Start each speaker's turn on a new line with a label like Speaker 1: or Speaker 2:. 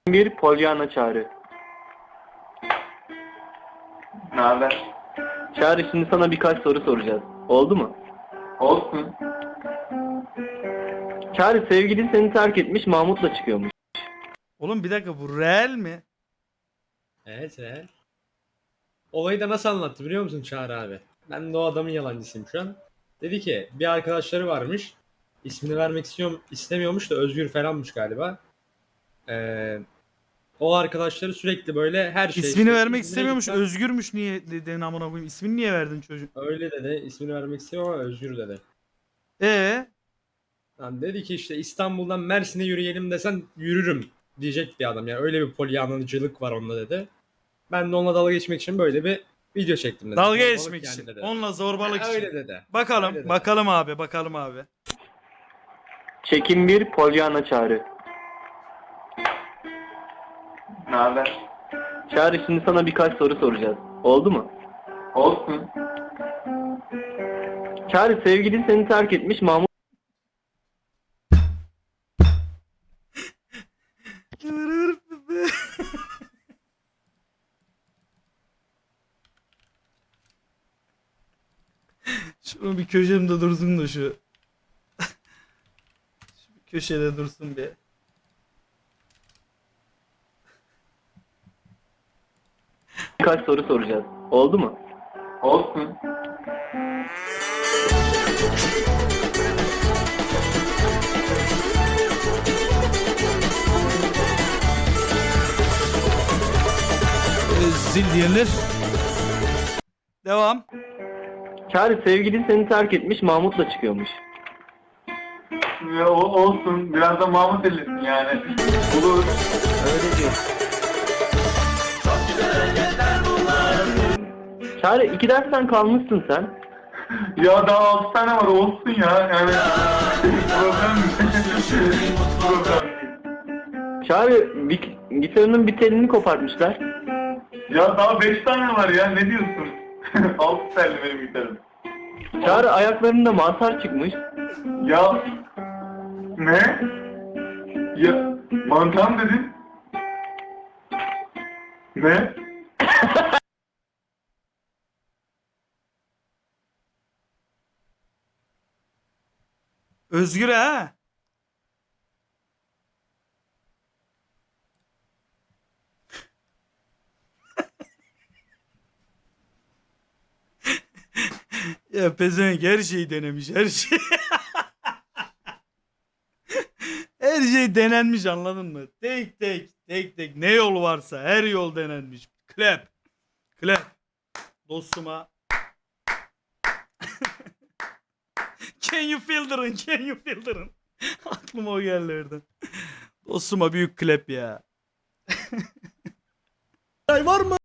Speaker 1: Bir Pollyanna Çağrı.
Speaker 2: Ne haber?
Speaker 1: Çağrı, şimdi sana birkaç soru soracağız. Oldu mu?
Speaker 2: Olsun.
Speaker 1: Çağrı, sevgilin seni terk etmiş, Mahmut'la çıkıyormuş.
Speaker 3: Oğlum bir dakika, bu real mi?
Speaker 4: Evet. Olayı da nasıl anlattı biliyor musun Çağrı abi? Ben de o adamın yalancısıyım şu an. Dedi ki bir arkadaşları varmış. İsmini vermek istemiyormuş da Özgür falanmış galiba. O arkadaşları sürekli böyle her şey
Speaker 3: İsmini
Speaker 4: işte,
Speaker 3: vermek
Speaker 4: İzmir'e
Speaker 3: istemiyormuş.
Speaker 4: gitsen-
Speaker 3: Özgürmüş, niye dedin amına koyayım? İsmini niye verdin çocuk?
Speaker 4: Öyle dedi. İsmini vermek istemiyorum ama Özgür dedi. Yani dedi ki işte İstanbul'dan Mersin'e yürüyelim desen yürürüm diyecek bir adam. Yani öyle bir polyanlıcılık var onda dedi. Ben de onunla dalga geçmek için böyle bir video çektim dedi.
Speaker 3: Dalga
Speaker 4: Zorbalık
Speaker 3: geçmek
Speaker 4: yani
Speaker 3: için.
Speaker 4: dedi.
Speaker 3: Onunla zorbalık
Speaker 4: Ha,
Speaker 3: için.
Speaker 4: öyle dedi.
Speaker 3: Bakalım,
Speaker 4: Öyle dedi.
Speaker 3: bakalım abi, bakalım abi.
Speaker 1: Çekim bir Pollyanna Çağrı.
Speaker 2: Ne haber?
Speaker 1: Çağrı, şimdi sana birkaç soru soracağız. Oldu mu?
Speaker 2: Olsun.
Speaker 1: Çağrı, sevgilin seni terk etmiş, Mahmut
Speaker 3: Şunu bir köşemde dursun da şu. Şu bir köşede dursun bir.
Speaker 1: birkaç soru soracağız. Oldu mu?
Speaker 2: Olsun.
Speaker 3: Zil diyenler. Devam.
Speaker 1: Çağrı, sevgilin seni terk etmiş, Mahmut'la çıkıyormuş.
Speaker 2: Ya, olsun. Biraz da Mahmut ellesin yani. Olur.
Speaker 1: Öyle diyor. Çağrı, 2 dersten kalmışsın sen.
Speaker 2: Ya daha 6 tane var olsun ya. Yani problem değil. Problem değil.
Speaker 1: Çağrı, gitarının bir telini kopartmışlar.
Speaker 2: Ya daha 5 tane var ya. Ne diyorsun? 6 telli benim gitarım.
Speaker 1: Çağrı, ayaklarında mantar çıkmış.
Speaker 2: Ya ne? Ya mantar mı dedin? Ne?
Speaker 3: Özgür ha. Ya pezevenk her şeyi denemiş, her şey. Her şey denenmiş, anladın mı? Tek ne yol varsa her yol denenmiş. Clap. Dostuma. Can you feel the rain? Can you feel the rain? Aklıma o geldi oradan. Dostuma büyük clap ya. Var mı?